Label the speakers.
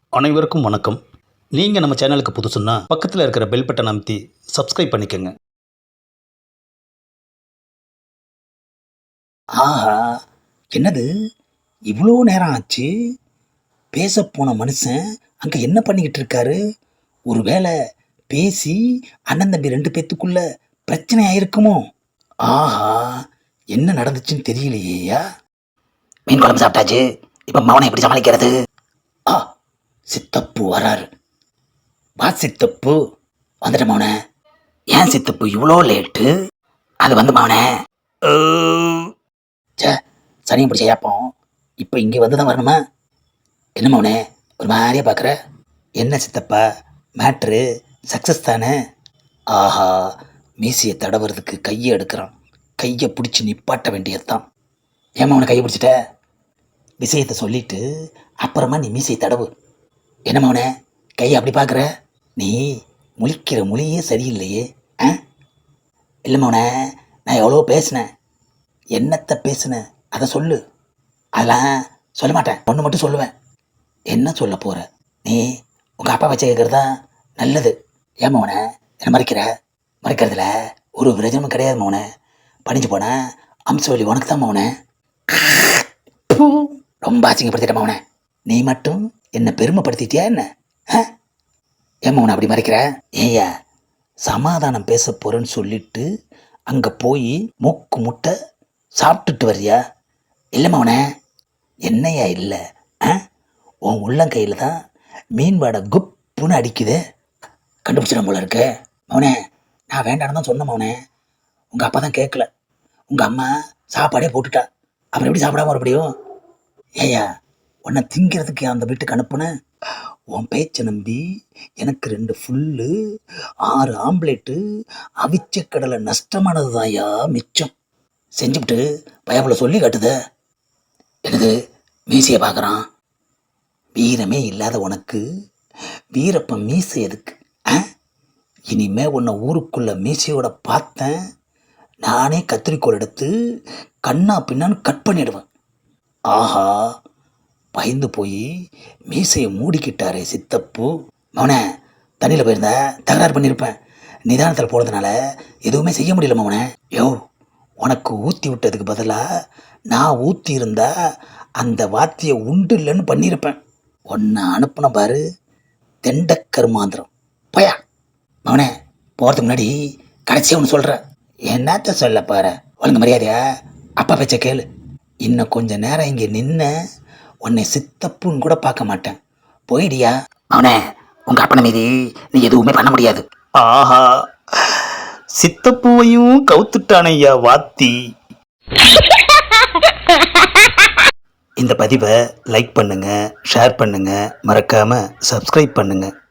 Speaker 1: அனைவருக்கும் வணக்கம். நீங்கள் நம்ம சேனலுக்கு புதுசுன்னா பக்கத்தில் இருக்கிற பெல் பட்டன் அமைத்தி சப்ஸ்கிரைப் பண்ணிக்கோங்க.
Speaker 2: ஆஹா, என்னது இவ்வளோ நேரம் ஆச்சு? பேச போன மனுஷன் அங்கே என்ன பண்ணிக்கிட்டு இருக்காரு? ஒருவேளை பேசி அண்ணன் தம்பி ரெண்டு பேத்துக்குள்ள பிரச்சனை ஆயிருக்குமோ? ஆஹா, என்ன நடந்துச்சுன்னு தெரியலையேயா. மீன் குழம்பு சாப்பிட்டாச்சு, இப்போ மவனை எப்படி சமாளிக்கிறது? ஆ, சித்தப்பு வராரு. வா சித்தப்பு. வந்துட்ட மவனே. ஏன் சித்தப்பு இவ்வளோ லேட்டு? அது வந்து மவனே, சே, சனியும் பிடிச்ச ஏப்போம். இப்போ இங்கே வந்து தான் வரணுமா? என்ன மவனே ஒரு மாதிரியா பார்க்குற? என்ன சித்தப்பா, மேட்ரு சக்ஸஸ் தானே? ஆஹா, மீசையை தடவுறதுக்கு கையை எடுக்கிறான். கையை பிடிச்சி நிப்பாட்ட வேண்டியதுதான். ஏமா அவனை கையை பிடிச்சிட்ட? விஷயத்தை சொல்லிட்டு அப்புறமா நீ மீசையை தடவு. என்ன மவனே கையை அப்படி பார்க்குற? நீ முழிக்கிற மொழியே சரியில்லையே. ஆ, இல்லை மவனே, நான் எவ்வளோ பேசினேன். என்னத்தை பேசுனேன் அதை சொல்லு. அதெல்லாம் சொல்ல மாட்டேன், ஒன்று மட்டும் சொல்லுவேன். என்ன சொல்ல போகிற? நீ உங்கள் அப்பா வச்சு கேட்குறதா நல்லது. ஏன் மவனே என்ன மறைக்கிற? மறைக்கிறதுல ஒரு பிரயோஜனமும் கிடையாது மவனே. படிஞ்சு போன அம்சவழி உனக்கு தான் மவனே. ரொம்ப அசிங்கப்படுத்திட்ட மவனே. நீ மட்டும் என்னை பெருமைப்படுத்திட்டியா என்ன? ஏன் மவனை அப்படி மறைக்கிற? ஏய்யா, சமாதானம் பேச போகிறேன்னு சொல்லிட்டு அங்கே போய் மூக்கு முட்டை சாப்பிட்டுட்டு வர்றியா? இல்லை மவனே. என்னையா இல்லை? உன் உள்ளங்கையில் தான் மீன் வாடை குப்புன்னு அடிக்குது. கண்டுபிடிச்சிடும் போல இருக்கு மவனே. நான் வேண்டான்னு தான் சொன்னேன் மவனே. உங்கள் அப்பா தான் கேட்கல. உங்கள் அம்மா சாப்பாடே போட்டுட்டா. அப்புறம் எப்படி சாப்பிடாம மறுபடியும்? ஏய்யா, உன்னை திங்கிறதுக்கு அந்த வீட்டுக்கு அனுப்புனேன். உன் பேச்சை நம்பி எனக்கு 2 ஃபுல்லு 6 ஆம்லேட்டு அவிச்ச கடலை நஷ்டமானது தான்யா மிச்சம். செஞ்சுவிட்டு பயப்புல சொல்லி காட்டுத. எனக்கு மீசையை பார்க்குறான். வீரமே இல்லாத உனக்கு வீரப்பன் மீசை எதுக்கு? இனிமே உன்னை ஊருக்குள்ள மீசையோட பார்த்தேன், நானே கத்திரிக்கோள் எடுத்து கண்ணா பின்னான்னு கட் பண்ணிடுவேன். ஆஹா, பயந்து போய் மீசையை மூடிக்கிட்டாரே சித்தப்பு. மவனே, தண்ணியில் போயிருந்தா தகராறு பண்ணியிருப்பேன். நிதானத்தில் போகிறதுனால எதுவுமே செய்ய முடியல மவனே. யோ, உனக்கு ஊற்றி விட்டதுக்கு பதிலாக நான் ஊற்றி இருந்தா அந்த வாத்தியை உண்டு இல்லைன்னு பண்ணியிருப்பேன். ஒன்று அனுப்புன பாரு, தெண்டக்கருமாந்திரம். போயா மவனே. போகிறதுக்கு முன்னாடி கடைசியாக ஒன்று சொல்கிறேன். என்னத்த சொல்ல பாரு, ஒழுங்கு மரியாதையா அப்பா பேச்ச கேளு. இன்னும் கொஞ்ச நேரம் இங்கே நின்ன உன்னை சித்தப்புன்னு கூட பார்க்க மாட்டேன். போயிடியா அவனே. உங்கள் அப்பனை மீதி நீ எதுவுமே பண்ண முடியாது.
Speaker 1: ஆஹா, சித்தப்பூவையும் கவுத்துட்டானையா வாத்தி. இந்த பதிவை லைக் பண்ணுங்கள், ஷேர் பண்ணுங்கள், மறக்காமல் சப்ஸ்கிரைப் பண்ணுங்கள்.